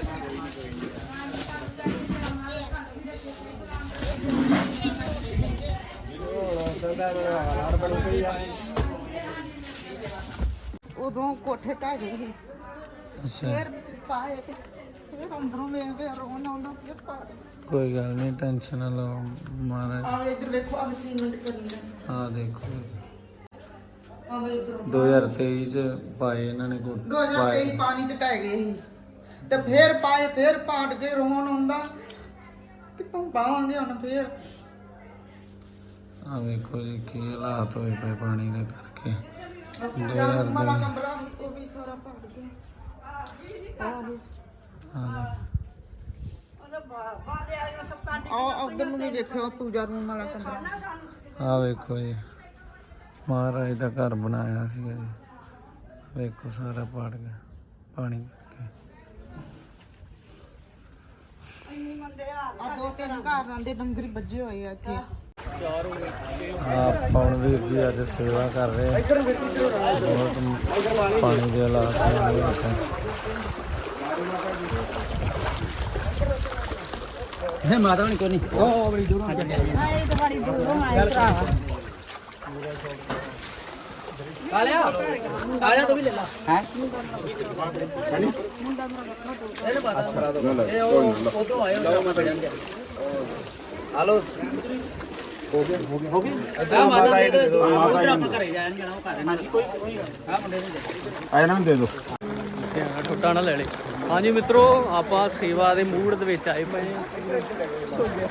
Speaker 2: ਉਦੋਂ ਕੋਠੇ ਢਹਿ ਗਏ ਸੀ
Speaker 1: ਅੱਛਾ
Speaker 2: ਫੇਰ ਪਾਏ ਤੇ ਫੇਰ ਅੰਦਰੋਂ ਵੇਖ ਵੇ ਰੋਣ ਆਉਂਦਾ ਫੇਰ ਪਾ
Speaker 1: ਕੋਈ ਗੱਲ ਨਹੀਂ, ਟੈਨਸ਼ਨ ਨਾ ਲਓ ਮਹਾਰਾਜ।
Speaker 2: ਆਵੇ ਇੱਧਰ ਵੇਖੋ ਆ ਸੀਮੈਂਟ ਕਰਨ ਦਾ
Speaker 1: ਆ ਦੇਖੋ
Speaker 2: ਆਵੇ ਇੱਧਰ
Speaker 1: ਦੋ ਹਜ਼ਾਰ ਤੇਈ ਚ ਪਾਏ ਇਹਨਾਂ ਨੇ ਕੋਟ
Speaker 2: ਦੋ ਹਜ਼ਾਰ ਤੇਈ ਪਾਣੀ ਚ ਢਹਿ ਗਏ ਸੀ ਤੇ ਫੇਰ ਪਾਏ ਫੇਰ ਪਾਟ ਕੇ ਰੋਣ ਆਉਂਦਾ ਕਿਤੋਂ ਪਾਵਾਂਗੇ ਹੁਣ ਫੇਰ
Speaker 1: ਆ ਵੇਖੋ ਜੀ ਕੀ ਹਾਲਾਤ ਹੋਏ ਪਏ ਪਾਣੀ ਦੇ ਕਰਕੇ।
Speaker 2: ਯਾਰ ਮਾਲਾ ਕਮਰਾ ਸੀ, ਉਹ ਵੀ ਸਾਰਾ ਭਰ ਗਿਆ ਆਵੇ
Speaker 1: ਹਾਂ
Speaker 2: ਆ ਉਧਰ ਨੂੰ ਵੀ ਦੇਖਿਓ ਪੂਜਾ ਰੂਮ ਵਾਲਾ ਕਮਰਾ
Speaker 1: ਆ ਵੇਖੋ ਜੀ ਮਹਾਰਾਜ ਦਾ ਘਰ ਬਣਾਇਆ ਸੀ ਜੀ। ਵੇਖੋ ਸਾਰਾ ਪਾੜ ਗਿਆ ਪਾਣੀ ਕਰਕੇ।
Speaker 2: ਆ ਦੋ ਤਿੰਨ ਘਰ ਆਂਦੇ ਡੰਗਰੀ ਵੱਜੇ ਹੋਏ ਆ ਇੱਥੇ
Speaker 1: ਆ ਪਵਨ ਵੀਰ ਜੀ ਅੱਜ ਸੇਵਾ ਕਰ ਰਹੇ ਆ। ਬਹੁਤ ਪਾਣੀ ਦੇ ਹਾਲਾਤ ਨੇ।
Speaker 5: ਹੈ ਮਾਤਾ ਨਹੀਂ ਕੋਈ ਨਹੀਂ ਉਹ ਬੜੀ ਦੂਰੋਂ ਆ ਜਾਂਦੇ
Speaker 6: ਆਏ ਤਾਂ ਬੜੀ ਦੂਰੋਂ ਆਏ ਭਰਾ
Speaker 5: ਕਾਲਿਆ ਕਾਲਿਆ ਤੂੰ ਵੀ ਲੈ ਲਾ ਹੈ ਇਹਨੇ ਪਤਾ ਇਹ ਉਹ ਉਦੋਂ ਆਏ ਹੋ ਮੈਂ ਬੜਿਆ ਹਲੋ ਹੋ ਗਿਆ ਹੋ ਗਿਆ ਹੋ ਗਿਆ ਆ ਮਾਤਾ ਦੇ ਦੋ ਉਧਰ ਆਪਾਂ ਘਰੇ ਜਾਣ ਜਾਣਾ ਉਹ ਘਰ ਨਾਲ ਕੋਈ ਕੋਈ ਆ ਮੁੰਡੇ ਨੂੰ ਦੇ
Speaker 4: ਆ ਇਹਨਾਂ ਨੂੰ ਦੇ ਦਿਓ
Speaker 7: ਠੁੱਟਾ ਨਾ ਲੈ ਲੈ। ਹਾਂਜੀ ਮਿੱਤਰੋ, ਆਪਾਂ ਸੇਵਾ ਦੇ ਮੂਡ ਦੇ ਵਿੱਚ ਆਏ ਪਏ ਹਾਂ।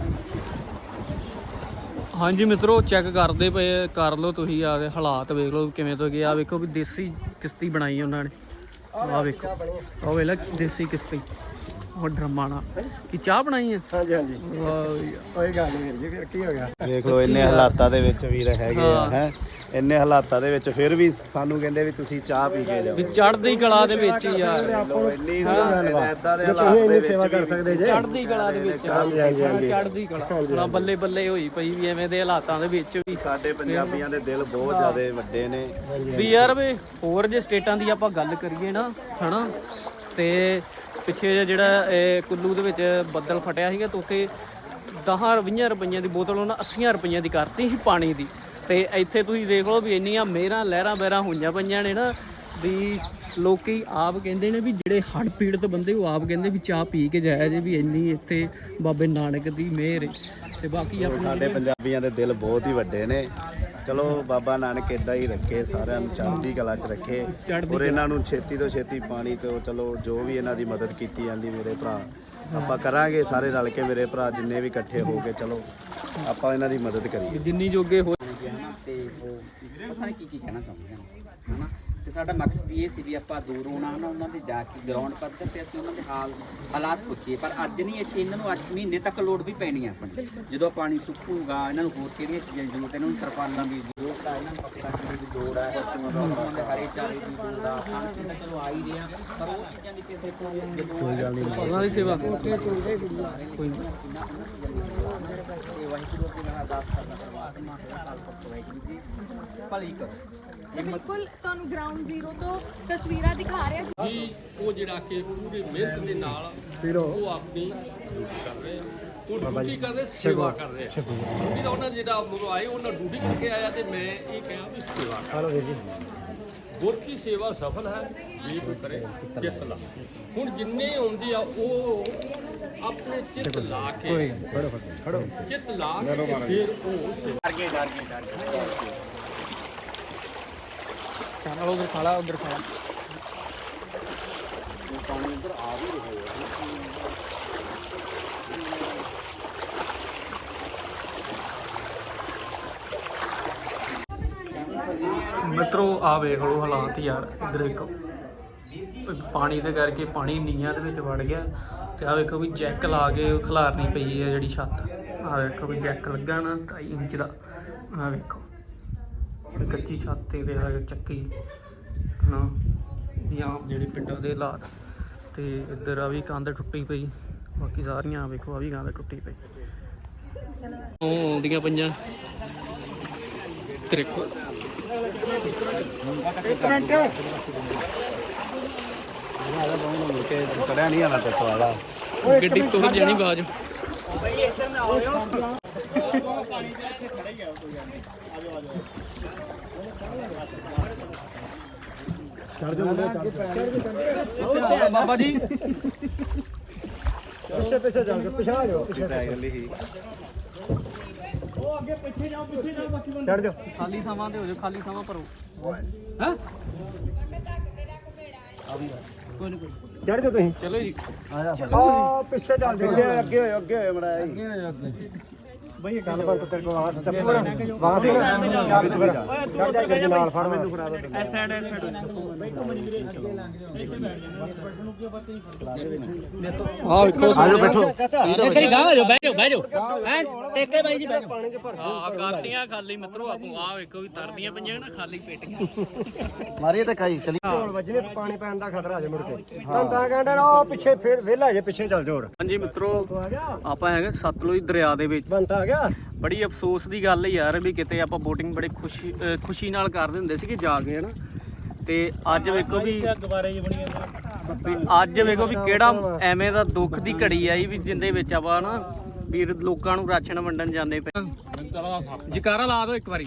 Speaker 7: ਹਾਂਜੀ ਮਿੱਤਰੋ, ਚੈੱਕ ਕਰਦੇ ਪਏ ਕਰ ਲਓ ਤੁਸੀਂ ਆ ਦੇ ਹਾਲਾਤ ਵੇਖ ਲਓ ਕਿਵੇਂ ਤੋਂ ਗਏ। ਆ ਵੇਖੋ ਵੀ ਦੇਸੀ ਕਿਸ਼ਤੀ ਬਣਾਈ ਉਹਨਾਂ ਨੇ। ਆ ਵੇਖੋ ਉਹ ਵੇਖ ਲੈ ਦੇਸੀ ਕਿਸ਼ਤੀ ਉਹ ਡਰਮਾਂ ਨਾਲ ਕੀ ਚਾਹ ਬਣਾਈ ਹੈ।
Speaker 4: ਹਾਂਜੀ ਹਾਂਜੀ
Speaker 7: ਵਾਹ
Speaker 4: ਕੋਈ ਗੱਲ ਨਹੀਂ ਵੀਰ ਜੀ ਕੀ ਹੋ ਗਿਆ
Speaker 8: ਦੇਖ ਲਓ ਇੰਨੇ ਹਾਲਾਤਾਂ ਦੇ ਵਿੱਚ ਵੀਰ ਹੈਗੇ ਆ ਹੈ ਇੰਨੇ ਹਾਲਾਤਾਂ ਦੇ ਵਿੱਚ ਫਿਰ ਵੀ ਸਾਨੂੰ ਕਹਿੰਦੇ ਵੀ ਤੁਸੀਂ ਚਾਹ ਪੀ ਕੇ ਜਾਓ।
Speaker 7: ਵੀ ਚੜ੍ਹਦੀ ਕਲਾ ਦੇ ਵਿੱਚ ਹੀ ਯਾਰ,
Speaker 8: ਇੰਨੀ ਇਦਾਂ ਦੇ ਹਾਲਾਤ ਦੇ ਵਿੱਚ
Speaker 4: ਸੇਵਾ ਕਰ ਸਕਦੇ ਜੇ
Speaker 7: ਚੜ੍ਹਦੀ ਕਲਾ ਦੇ ਵਿੱਚ ਚੜ੍ਹਦੀ ਕਲਾ ਹੁਣ ਬੱਲੇ ਬੱਲੇ ਹੋਈ ਪਈ ਵੀ ਐਵੇਂ ਦੇ ਹਾਲਾਤਾਂ ਦੇ ਵਿੱਚ ਵੀ।
Speaker 8: ਸਾਡੇ ਪੰਜਾਬੀਆਂ ਦੇ ਦਿਲ ਬਹੁਤ ਜ਼ਿਆਦਾ ਵੱਡੇ ਨੇ
Speaker 7: ਵੀ ਯਾਰ ਵੀ ਹੋਰ ਜੇ ਸਟੇਟਾਂ ਦੀ ਆਪਾਂ ਗੱਲ ਕਰੀਏ ਨਾ ਹਨਾ, ਤੇ ਪਿੱਛੇ ਜਿਹੇ ਜਿਹੜਾ ਇਹ ਕੁੱਲੂ ਦੇ ਵਿੱਚ ਬੱਦਲ ਫਟਿਆ ਸੀਗਾ ਤਾਂ ਉੱਥੇ ਦਸ ਵੀਹ ਰੁਪਈਆਂ ਦੀ ਬੋਤਲ ਉਹਨਾਂ ਅੱਸੀ ਰੁਪਈਆਂ ਦੀ ਕਰਤੀ ਸੀ ਪਾਣੀ ਦੀ। ਤੇ ਇੱਥੇ ਤੁਸੀਂ ਦੇਖ ਲਓ ਵੀ ਇੰਨੀਆਂ ਮੇਰਾਂ ਲਹਿਰਾਂ ਬਹਿਰਾਂ ਹੋਈਆਂ ਪਈਆਂ ਨੇ ਨਾ ਵੀ ਲੋਕੀ ਆਪ ਕਹਿੰਦੇ ਨੇ ਵੀ ਜਿਹੜੇ ਹੜ੍ਹ ਪੀੜਤ ਬੰਦੇ ਉਹ ਆਪ ਕਹਿੰਦੇ ਵੀ ਚਾਹ ਪੀ ਕੇ ਜਾਇਆ ਜੇ ਵੀ ਇੰਨੀ ਇੱਥੇ ਬਾਬੇ ਨਾਨਕ ਦੀ ਮਿਹਰ ਹੈ। ਤੇ ਬਾਕੀ ਆਪਣੇ
Speaker 8: ਸਾਡੇ ਪੰਜਾਬੀਆਂ ਦੇ ਦਿਲ ਬਹੁਤ ਹੀ ਵੱਡੇ ਨੇ। ਚਲੋ ਬਾਬਾ ਨਾਨਕ ਇਦਾਂ ਹੀ ਰੱਖੇ, ਸਾਰਿਆਂ ਨੂੰ ਚੜ੍ਹਦੀ ਕਲਾ 'ਚ ਰੱਖੇ ਔਰ ਇਹਨਾਂ ਨੂੰ ਛੇਤੀ ਤੋਂ ਛੇਤੀ ਪਾਣੀ ਤੋਂ ਚਲੋ ਜੋ ਵੀ ਇਹਨਾਂ ਦੀ ਮਦਦ ਕੀਤੀ ਜਾਂਦੀ ਮੇਰੇ ਭਰਾ ਆਪਾਂ ਕਰਾਂਗੇ ਸਾਰੇ ਰਲ ਕੇ। ਮੇਰੇ ਭਰਾ ਜਿੰਨੇ ਵੀ ਇਕੱਠੇ ਹੋ ਕੇ ਚਲੋ ਆਪਾਂ ਇਹਨਾਂ ਦੀ ਮਦਦ ਕਰੀਏ
Speaker 7: ਜਿੰਨੀ ਜੋਗੇ ਹੋ।
Speaker 5: ਤੇ ਉਹ ਪਤਾ ਨਹੀਂ ਕੀ ਕੀ ਕਹਿਣਾ ਚਾਹੁੰਦੇ ਹਨ ਹਨਾ। ਤੇ ਸਾਡਾ ਮਕਸਦ ਇਹ ਸੀ ਵੀ ਆਪਾਂ ਦੂਰ ਹੋਣਾ ਨਾ ਉਹਨਾਂ ਦੇ ਜਾ ਕੇ ਗਰਾਊਂਡ ਪੱਧਰ ਤੇ ਅਸੀਂ ਉਹਨਾਂ ਦੇ ਹਾਲ ਹਾਲਾਤ ਪੁੱਛੀਏ। ਪਰ ਅੱਜ ਨਹੀਂ, ਇੱਥੇ ਇਹਨਾਂ ਨੂੰ ਅੱਜ ਮਹੀਨੇ ਤੱਕ ਲੋੜ ਵੀ ਪੈਣੀ ਆ ਆਪਣੀ। ਜਦੋਂ ਪਾਣੀ ਸੁੱਕੂਗਾ ਇਹਨਾਂ ਨੂੰ ਹੋਰ ਕਿਹੜੀਆਂ ਚੀਜ਼ਾਂ ਦੀ ਜ਼ਰੂਰਤ, ਇਹਨਾਂ ਨੂੰ ਤਰਪਾਲਾਂ ਦੀ ਜ਼ਰੂਰਤ ਆ, ਇਹਨਾਂ ਨੂੰ ਪੱਕਾ ਕਰਨ ਦੀ ਲੋੜ ਹੈ, ਉਹਨਾਂ ਦੇ ਹਰੇ ਚਾਰੇ ਦੀ ਲੋੜ ਆ, ਖਾਣ ਪੀਣ ਦਾ ਚਲੋ ਆ ਹੀ ਰਿਹਾ ਪਰ ਉਹ ਚੀਜ਼ਾਂ ਦੀ ਕਿਸੇ ਕੋਲ ਕੋਈ ਗੱਲ ਨਹੀਂ
Speaker 7: ਉਹਨਾਂ ਦੀ ਸੇਵਾ ਕੋਈ
Speaker 5: ਵਾਹਿਗੁਰੂ ਦੇ ਨਾਲ ਅਰਦਾਸ ਕਰਨਾ ਪਰਮਾਤਮਾ ਦਾ ਕਾਲ ਵਾਹਿਗੁਰੂ ਜੀ ਭਲੀ ਕਰੋ।
Speaker 6: ਤੇ ਬਿਲਕੁਲ ਤੁਹਾਨੂੰ ਗਰਾਊਂਡ ਜ਼ੀਰੋ ਤੋਂ ਤਸਵੀਰਾਂ ਦਿਖਾ ਰਿਹਾ
Speaker 3: ਜੀ ਉਹ ਜਿਹੜਾ ਕਿ ਪੂਰੀ ਮਿਹਨਤ ਦੇ ਨਾਲ ਉਹ ਆਪਣੀ ਡਿਊਟੀ ਕਰ ਰਹੇ ਆ। ਉਹ ਡਿਊਟੀ ਕਰਦੇ ਸੇਵਾ ਕਰ ਰਹੇ ਆ। ਡਿਊਟੀ ਦਾ ਉਹਨਾਂ ਜਿਹੜਾ ਮੁਰੋ ਆਏ ਉਹਨਾਂ ਡਿਊਟੀ ਕਰਕੇ ਆਇਆ ਤੇ ਮੈਂ ਇਹ ਕਿਹਾ ਵੀ ਸੇਵਾ ਕਰ। ਗੁਰ ਕੀ ਸੇਵਾ ਸਫਲ ਹੈ ਜੀ ਕਰੇ ਚਿੱਤ ਲਾ। ਹੁਣ ਜਿੰਨੇ ਆਉਂਦੇ ਆ ਉਹ ਆਪਣੇ ਚਿੱਤ ਲਾ ਕੇ ਚਿੱਤ ਲਾ ਕੇ ਫਿਰ ਉਹ
Speaker 7: ਚਲ ਉਧਰ ਖਾਲਾ ਉਧਰ ਖਾਲਾ
Speaker 8: ਪਾਣੀ ਇੱਧਰ ਆ ਵੀ ਰਿਹਾ ਹੈ।
Speaker 7: ਮਿੱਤਰੋ ਆ ਵੇਖ ਲਓ ਹਾਲਾਤ ਯਾਰ। ਇੱਧਰ ਵੇਖੋ ਪਾਣੀ ਦੇ ਕਰਕੇ ਪਾਣੀ ਨੀਹਾਂ ਦੇ ਵਿੱਚ ਵੜ ਗਿਆ। ਤੇ ਆ ਵੇਖੋ ਵੀ ਜੈਕ ਲਾ ਕੇ ਖਿਲਾਰਨੀ ਪਈ ਹੈ ਜਿਹੜੀ ਛੱਤ। ਆ ਵੇਖੋ ਵੀ ਜੈਕ ਲੱਗਾ ਨਾ ਢਾਈ ਇੰਚ ਦਾ। ਆ ਵੇਖੋ ਕੱਚੀ ਛੱਤ ਤੇ ਆ ਚੱਕੀ ਨਾ ਜਾਂ ਜਿਹੜੇ ਪਿੰਡਾਂ ਦੇ ਹਾਲਾਤ। ਤੇ ਇੱਧਰ ਆ ਵੀ ਕੰਧ ਟੁੱਟੀ ਪਈ, ਬਾਕੀ ਸਾਰੀਆਂ ਵੇਖੋ ਆ ਵੀ ਕੰਧ ਟੁੱਟੀ ਪਈ। ਉਹ ਆਉਂਦੀਆਂ ਪਈਆਂ ਦੇਖੋ।
Speaker 8: ਚੜਿਆ ਨਹੀਂ ਆਣਾ ਤੇ ਵਾਲਾ
Speaker 7: ਗੱਡੀ ਤੁਰ ਜਾਣੀ ਬਾਜ। ਬਾਬਾ ਜੀ
Speaker 4: ਪਿੱਛੇ ਪਿੱਛੇ ਜਾ ਕੇ ਪਿਛਾ ਜਾਓ, ਪਿੱਛੇ
Speaker 8: ਹੀ
Speaker 4: ਉਹ ਅੱਗੇ ਪਿੱਛੇ ਜਾਓ, ਪਿੱਛੇ ਜਾਓ, ਬਾਕੀ ਬੰਦੇ ਚੜ ਜਾਓ।
Speaker 7: ਖਾਲੀ ਥਾਵਾਂ ਤੇ ਹੋ ਜਾਓ, ਖਾਲੀ ਥਾਵਾਂ ਭਰੋ।
Speaker 4: ਹਾਂ ਚੜ ਜਾਓ ਤੁਸੀਂ।
Speaker 7: ਚਲੋ ਜੀ
Speaker 4: ਆ ਪਿੱਛੇ ਚੱਲ ਜਾਓ,
Speaker 8: ਪਿੱਛੇ ਅੱਗੇ ਹੋਏ ਅੱਗੇ ਹੋਏ ਮੜਾ
Speaker 4: ਬਈ ਗੱਲ ਬੰਦ ਤੇਰੇ ਕੋਲ ਆਸ ਚੱਪੂ ਨਾ ਵਾਹ ਸੀ ਨਾ ਚੱਲ ਤੂੰ ਫਿਰ ਚੜ ਜਾ ਗੱਡੀ ਨਾਲ ਫੜ ਮੈਨੂੰ ਫੜਾ ਦੇ ਐ ਸਾਈਡ ਐ ਸਾਈਡ
Speaker 7: ਆਹ ਵੇਖੋ
Speaker 8: ਆਜੋ ਬੈਠੋ
Speaker 7: ਕਰੀ ਗਾਂ ਆਜੋ, ਬਹਿ ਜਾਓ ਬਹਿ ਜਾਓ ਐ ਟੇਕੇ ਬਾਈ ਜੀ ਬਹਿ ਜਾਓ। ਹਾਂ ਕਰਤੀਆਂ ਖਾਲੀ ਮਿੱਤਰੋ ਆਪੋ। ਆਹ ਵੇਖੋ ਵੀ ਤਰਦੀਆਂ ਪਈਆਂ ਨਾ ਖਾਲੀ ਪੇਟੀਆਂ।
Speaker 8: ਮਾਰੀਏ ਤੇ ਕਾਈ ਚਲੀ
Speaker 4: ਝੋਲ ਵੱਜਣੇ, ਪਾਣੀ ਪੈਣ ਦਾ ਖਤਰਾ ਜੇ ਮੁੜ ਕੇ ਤਾਂ ਤਾਂ ਕਹਿੰਦਾ ਨਾ ਉਹ ਪਿੱਛੇ ਫੇਰ ਵਿਹਲਾ ਜੇ ਪਿੱਛੇ ਚੱਲ ਜਾਓ।
Speaker 7: ਹਾਂਜੀ ਮਿੱਤਰੋ, ਆਪਾਂ ਹੈਗੇ ਸਤਲੁਜ ਦਰਿਆ ਦੇ ਵਿੱਚ।
Speaker 4: ਬੰਦਾ ਆ ਗਿਆ।
Speaker 7: ਬੜੀ ਅਫਸੋਸ ਦੀ ਗੱਲ ਹੈ ਯਾਰ ਵੀ ਕਿਤੇ ਆਪਾਂ ਬੋਟਿੰਗ ਬੜੇ ਖੁਸ਼ੀ ਅਹ ਖੁਸ਼ੀ ਨਾਲ ਕਰਦੇ ਹੁੰਦੇ ਸੀਗੇ ਜਾ ਕੇ ਹਨਾ। ਤੇ ਅੱਜ ਵੇਖੋ ਵੀ ਵੀ ਅੱਜ ਵੇਖੋ ਵੀ ਕਿਹੜਾ ਐਵੇਂ ਦਾ ਦੁੱਖ ਦੀ ਘੜੀ ਆਈ ਵੀ ਜਿੰਦੇ ਵਿੱਚ ਆਪਾਂ ਨਾ ਵੀਰ ਲੋਕਾਂ ਨੂੰ ਰਾਸ਼ਨ ਵੰਡਣ ਜਾਂਦੇ ਪਏ। ਜਕਾਰਾ ਲਾ ਦਿਓ ਇੱਕ ਵਾਰੀ।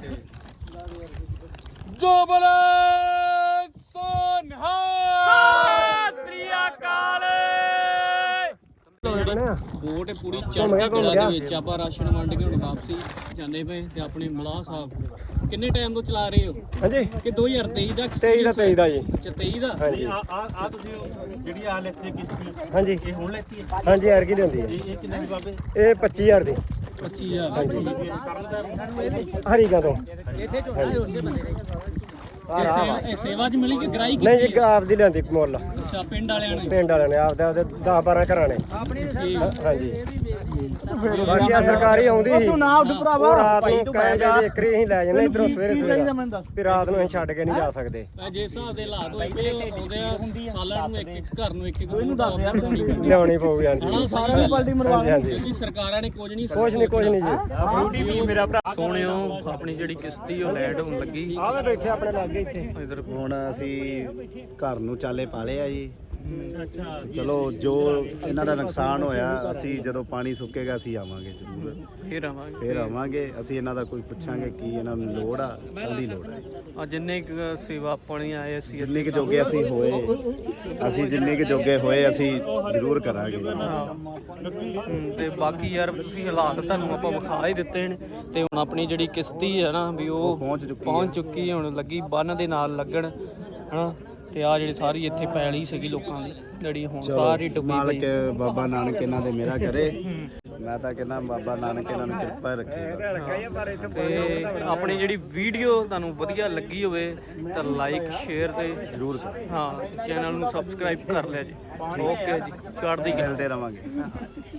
Speaker 7: ਜੋ ਬਲੇ ਸੋਨਹਾ ਸਤਿ ਸ੍ਰੀ ਅਕਾਲ। ਬੋਟ ਪੂਰੀ ਚੜ੍ਹਦੀ ਕਲਾ ਦੇ ਵਿੱਚ ਆਪਾਂ ਰਾਸ਼ਨ ਵੰਡ ਕੇ ਹੁਣ ਵਾਪਸੀ ਜਾਂਦੇ ਪਏ। ਤੇ ਆਪਣੇ ਮਲਾਹ ਸਾਹਿਬ ਕਿੰਨੇ ਟਾਈਮ ਤੋਂ ਚਲਾ ਰਹੇ ਹੋ?
Speaker 4: ਹਾਂਜੀ
Speaker 7: ਕਿ ਦੋ ਹਜ਼ਾਰ ਤੇਈ ਦਾ
Speaker 4: ਤੇਈ ਦਾ ਤੇਈ ਦਾ ਜੀ।
Speaker 7: ਅੱਛਾ ਤੇਈ ਦਾ।
Speaker 4: ਹਾਂਜੀ
Speaker 9: ਆ ਆ ਤੁਸੀਂ ਜਿਹੜੀ ਆ ਲੈਤੀ ਕੀਤੀ
Speaker 4: ਹਾਂਜੀ
Speaker 9: ਇਹ ਹੁਣ ਲੈਤੀ ਹੈ?
Speaker 4: ਹਾਂਜੀ ਯਾਰ ਕੀ ਦਿੰਦੀ ਹੈ
Speaker 9: ਇਹ ਕਿੰਨੇ ਦੀ ਬਾਬੇ?
Speaker 4: ਇਹ ਪੱਚੀ ਹਜ਼ਾਰ ਦੀ
Speaker 7: ਪੱਚੀ ਹਜ਼ਾਰ
Speaker 4: ਹਰੀਕਾ ਤੋਂ।
Speaker 7: ਇਹ ਸੇਵਾ ਇਹ ਸੇਵਾ ਚ ਮਿਲੀ ਕਿ ਗ੍ਰਾਈ
Speaker 4: ਨਹੀਂ
Speaker 7: ਕੀਤੀ?
Speaker 4: ਜੀ ਆਪ ਦੀ ਲੈਂਦੀ ਮੁੱਲ।
Speaker 7: ਅੱਛਾ ਪਿੰਡ ਵਾਲਿਆਂ ਨੇ।
Speaker 4: ਪਿੰਡ ਵਾਲਿਆਂ ਨੇ ਆਪਦੇ ਆਪਦੇ ਦਸ ਬਾਰਾਂ ਘਰਾਂ ਨੇ। ਹਾਂਜੀ ਬਾਕੀ ਆ ਸਰਕਾਰੀ ਆਉਂਦੀ ਸੀ ਉਹ ਰਾਤ ਨੂੰ ਕਹੇ ਜੇ ਇੱਕਰੀ ਅਸੀਂ ਲੈ ਜਾਂਦੇ ਇਧਰੋਂ ਸਵੇਰੇ ਸਵੇਰੇ ਵੀ ਰਾਤ ਨੂੰ ਅਸੀਂ ਛੱਡ ਕੇ ਨਹੀਂ ਜਾ ਸਕਦੇ।
Speaker 7: ਜੇ ਹਿਸਾਬ ਦੇ ਹਾਲਾਤ ਹੋਏ ਪਏ ਉਹ ਆਉਂਦੇ ਆ ਸਾਲਾਂ ਨੂੰ ਇੱਕ ਇੱਕ ਘਰ ਨੂੰ ਇੱਕ ਇੱਕ ਨੂੰ ਦੱਸ ਹਜ਼ਾਰ
Speaker 4: ਲਿਆਉਣੀ ਪਊਗੀ। ਹਾਂਜੀ
Speaker 7: ਸਾਰਿਆਂ ਦੀ ਪਲਟੀ
Speaker 4: ਹਾਂਜੀ ਹਾਂਜੀ
Speaker 7: ਕਿਉਂਕਿ ਸਰਕਾਰਾਂ ਨੇ ਕੁਝ ਨਹੀਂ
Speaker 4: ਕੁਛ ਨਹੀਂ ਕੁਛ ਨਹੀਂ ਜੀ।
Speaker 7: ਮੇਰਾ ਭਰਾ ਸੋਹਣਿਓ ਆਪਣੀ ਜਿਹੜੀ ਕਿਸ਼ਤੀ ਉਹ ਲੈਂਡ ਹੋਣ ਲੱਗੀ।
Speaker 4: ਆਵੇ ਬੈਠੇ ਆਪਣੇ ਲਾਗੇ ਇੱਥੇ।
Speaker 7: ਇਧਰ
Speaker 8: ਹੁਣ ਅਸੀਂ ਘਰ ਨੂੰ ਚਾਲੇ ਪਾਲੇ ਆ ਜੀ। ਚਲੋ ਜੋ ਇਹਨਾਂ ਦਾ ਨੁਕਸਾਨ ਹੋਇਆ ਅਸੀਂ ਜਦੋਂ ਪਾਣੀ ਸੁੱਕੇਗਾ ਅਸੀਂ ਆਵਾਂਗੇ ਜ਼ਰੂਰ।
Speaker 7: ਫੇਰ ਆਵਾਂਗੇ
Speaker 8: ਫੇਰ ਆਵਾਂਗੇ ਅਸੀਂ ਇਹਨਾਂ ਦਾ ਕੋਈ ਪੁੱਛਾਂਗੇ ਕੀ ਇਹਨਾਂ ਨੂੰ ਲੋੜ ਆ ਕਾਹਦੀ ਲੋੜ ਹੈ।
Speaker 7: ਆ ਜਿੰਨੇ ਕੁ ਸੇਵਾ ਪਾਣੀ ਆਏ ਅਸੀਂ
Speaker 8: ਜਿੰਨੇ ਕੁ ਜੋਗੇ ਅਸੀਂ ਹੋਏ ਅਸੀਂ ਜਿੰਨੇ ਕੁ ਜੋਗੇ ਹੋਏ ਅਸੀਂ ਜ਼ਰੂਰ ਕਰਾਂਗੇ।
Speaker 7: ਹਮ, ਤੇ ਬਾਕੀ ਯਾਰ ਤੁਸੀਂ ਹਾਲਾਤ ਤੁਹਾਨੂੰ ਆਪਾਂ ਵਿਖਾ ਹੀ ਦਿੱਤੇ ਨੇ। ਤੇ ਹੁਣ ਆਪਣੀ ਜਿਹੜੀ ਕਿਸ਼ਤੀ ਹੈ ਨਾ ਵੀ ਉਹ
Speaker 8: ਪਹੁੰਚ ਚੁੱਕੀ
Speaker 7: ਪਹੁੰਚ ਚੁੱਕੀ ਹੁਣ ਲੱਗੀ ਬੰਨ ਦੇ ਨਾਲ ਲੱਗਣ ਹਨਾ। ਤੇ ਆ ਜਿਹੜੀ ਸਾਰੀ ਇੱਥੇ ਪੈਲੀ ਸੀਗੀ ਲੋਕਾਂ ਦੀ ਜਿਹੜੀ ਹੁਣ ਸਾਰੀ ਡੁੱਬੀ
Speaker 8: ਮਾਲਕ
Speaker 7: ਪਈ।
Speaker 8: ਬਾਬਾ ਨਾਨਕ ਇਹਨਾਂ ਦੇ ਮੇਰਾ ਕਰੇ। ਮੈਂ ਤਾਂ ਕਹਿੰਦਾ ਬਾਬਾ ਨਾਨਕ ਇਹਨਾਂ ਨੂੰ ਕਿਰਪਾ ਰੱਖੇ।
Speaker 7: ਤੇ ਆਪਣੀ ਜਿਹੜੀ ਵੀਡੀਓ ਤੁਹਾਨੂੰ ਵਧੀਆ ਲੱਗੀ ਹੋਵੇ ਤਾਂ ਲਾਈਕ ਸ਼ੇਅਰ ਤੇ
Speaker 8: ਜ਼ਰੂਰ ਕਰੋ।
Speaker 7: ਹਾਂ ਚੈਨਲ ਨੂੰ ਸਬਸਕ੍ਰਾਈਬ ਕਰ ਲਿਆ ਜੀ। ਓਕੇ ਜੀ ਚੜ੍ਹਦੀ ਕਲਾ।
Speaker 8: ਮਿਲਦੇ ਰਵਾਂਗੇ।